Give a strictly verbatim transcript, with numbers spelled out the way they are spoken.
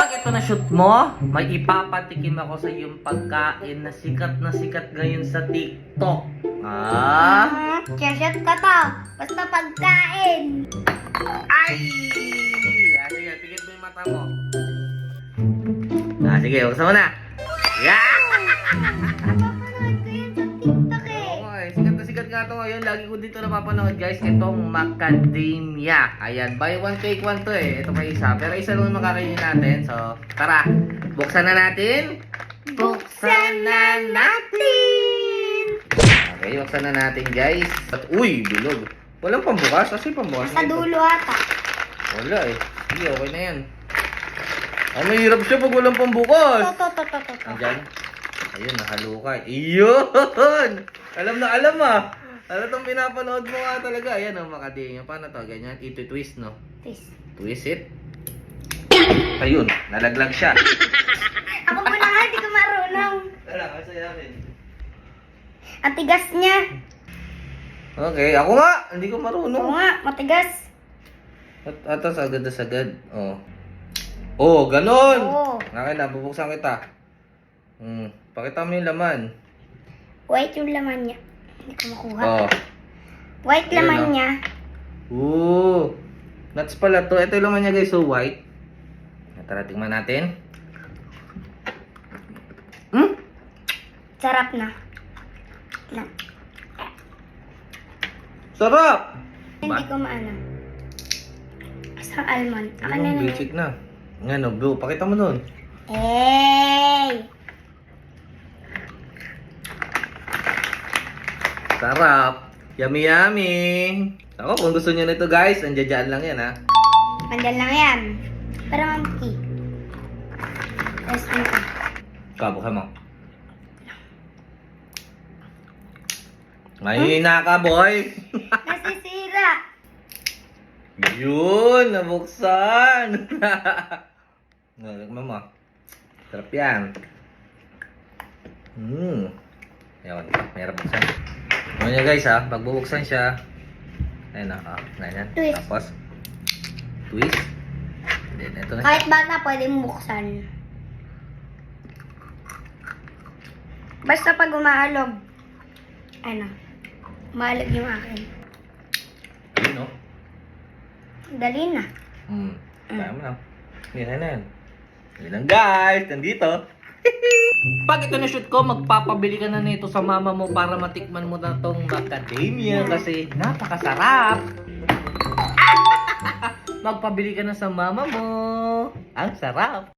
Pag ito na shoot mo, may ipapatikim ako sa iyong pagkain na sikat na sikat ngayon sa TikTok. Ah? Hmm, shot ka to. Basta pagkain. Ay! Ah, sige, tigil mo yung mata mo. Ah, sige, buksan mo na. Yeah! Napapanood ko yun sa TikTok eh. Okay, sikat na sikat nga ito ngayon. Lagi ko dito napapanood, guys. Itong macadamia. Ayan, buy one take one to eh. Ito pa isa. Pero isa lang makakainin natin. So, tara. Buksan na natin. Buksan na natin! Okay, buksan na natin, guys. At, uy, bilog. Walang pambukas. Kasi pambukas Sa na ito. dulo ata. Wala eh. Sige, okay na yan. Ay, mahirap siya pag walang pambukas. To, to, to, to, to, to. Andyan. Ayun, nahalukay. Iyon! Alam na alam ah. Ano itong pinapanood mo nga talaga. Ayan, oh, macadamia. Paano to? Ganyan. Ito twist, no? Please. Twist it. Ayun, nalaglag siya. Ako muna nga, hindi ko marunong. Wala, masaya rin. Ang tigas niya. Okay, ako nga. Hindi ko Oo marunong. nga, matigas. At atas agad na sagad. Oh. Oh, ganun. Oo. Okay na, bubuksan kita. Hmm, pakita mo yung laman. White yung laman niya. Hindi ko makuha. Oh. White Ayun, laman oh. niya. Ooh. Nuts pala to. Ito yung laman niya, guys. So white. Tara, tingnan natin. Hmm? Sarap na. Na. Sarap! Hindi ko maano. Isang almond. Ako Ano, na naman. basic na. Nga no, blue. Pakita mo nun. Hey! Sarap. Yummy, yummy. Ako, kung gusto niyo nito, guys, nandiyan lang yan, ha. Andyan lang yan. Para mamki. Tapos ano? Kabuksan mo. Ngayon na ka, boy. Nasisira. Yun, nabuksan. Nalagman mo. Sarap yan. Hmm. Ayun, mayroon buksan. Ano niya, guys, ha. Pag bubuksan siya, ayun na, ah, ganyan. Twist. Tapos, twist. Then, ito na. Kahit bata pwede buksan. Basta pag umaalog, ano, umaalog yung akin. Ayun, no? Dali na. Hmm. Kaya mo na. Yan na yan. Yun lang, guys. Nandito. Pag ito na-shoot ko, magpapabili ka na nito sa mama mo para matikman mo na tong macadamia kasi napakasarap. Magpabili ka na sa mama mo. Ang sarap.